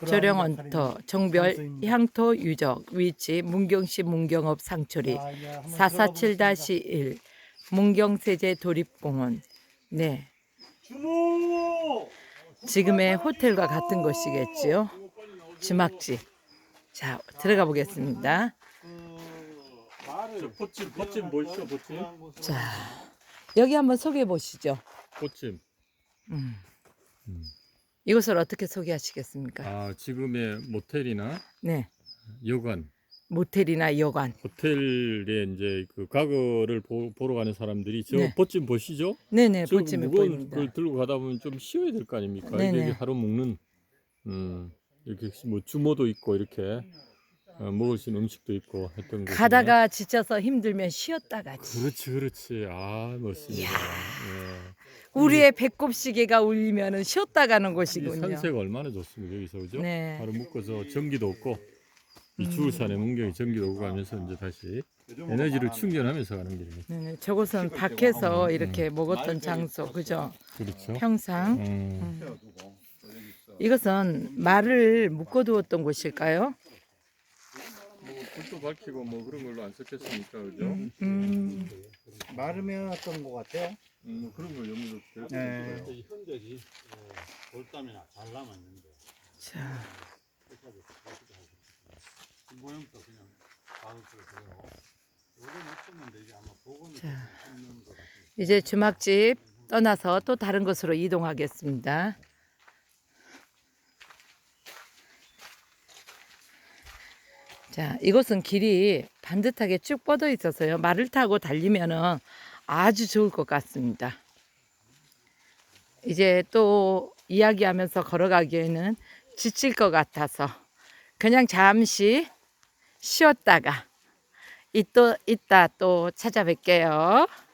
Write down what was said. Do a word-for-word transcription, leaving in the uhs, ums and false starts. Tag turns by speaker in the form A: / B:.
A: 조령 언터, 정별, 향토 유적, 위치, 문경시 문경읍 상초리, 사사칠 일, 문경세제 도립공원. 네. 지금의 호텔과 같은 곳이겠지요. 주막집. 자, 들어가 보겠습니다.
B: 보침, 보침 보시죠, 보침.
A: 자, 여기 한번 소개해 보시죠.
B: 보침.
A: 음.
B: 음.
A: 이곳을 어떻게 소개하시겠습니까?
B: 아, 지금의 모텔이나
A: 네.
B: 여관,
A: 모텔이나 여관.
B: 호텔에 이제 그 과거를 보, 보러 가는 사람들이 저
A: 네.
B: 보침 보시죠?
A: 네네,
B: 저
A: 보침이
B: 무거운
A: 보입니다.
B: 걸 들고 가다 보면 좀 쉬어야 될 거 아닙니까?
A: 네네.
B: 이게 하루 먹는 음, 이렇게 뭐 주모도 있고 이렇게 어, 먹을 수 있는 음식도 있고 했던 곳이네.
A: 가다가 지쳐서 힘들면 쉬었다 가지.
B: 그렇지, 그렇지. 아, 멋있습니다. 예.
A: 우리의 배꼽 시계가 울리면은 쉬었다 가는
B: 이
A: 곳이군요.
B: 산세가 얼마나 좋습니까 여기서, 그죠?
A: 네.
B: 하루 묵고서 전기도 없고 이 주울산의 문경이 전기도 오고 하면서 이제 다시 에너지를 충전하면서 가는 길입니다.
A: 네네. 저곳은 밖에서 이렇게 먹었던 장소, 그죠?
B: 그렇죠.
A: 평상.
B: 음,
A: 음. 이것은 말을 묶어두었던 곳일까요?
B: 뭐 불도 밝히고 뭐 그런 걸로 안 썼겠습니까, 그죠?
A: 음, 음.
C: 마르면 어떤 것 같아요?
B: 음, 뭐 그런 거 염려 될
C: 네.
B: 거예요.
D: 이 흔적이 돌담이나 잘 남았는데
A: 자,
D: 이 모형도 그냥 가로수로 그대로 요거 놓쳤는데 이게 아마 복원이
A: 자.
D: 없는 것 같아요.
A: 이제 주막집 떠나서 또 다른 곳으로 이동하겠습니다. 자, 이곳은 길이 반듯하게 쭉 뻗어 있어서요. 말을 타고 달리면은 아주 좋을 것 같습니다. 이제 또 이야기하면서 걸어가기에는 지칠 것 같아서 그냥 잠시 쉬었다가 이 또 이따 또 찾아뵐게요.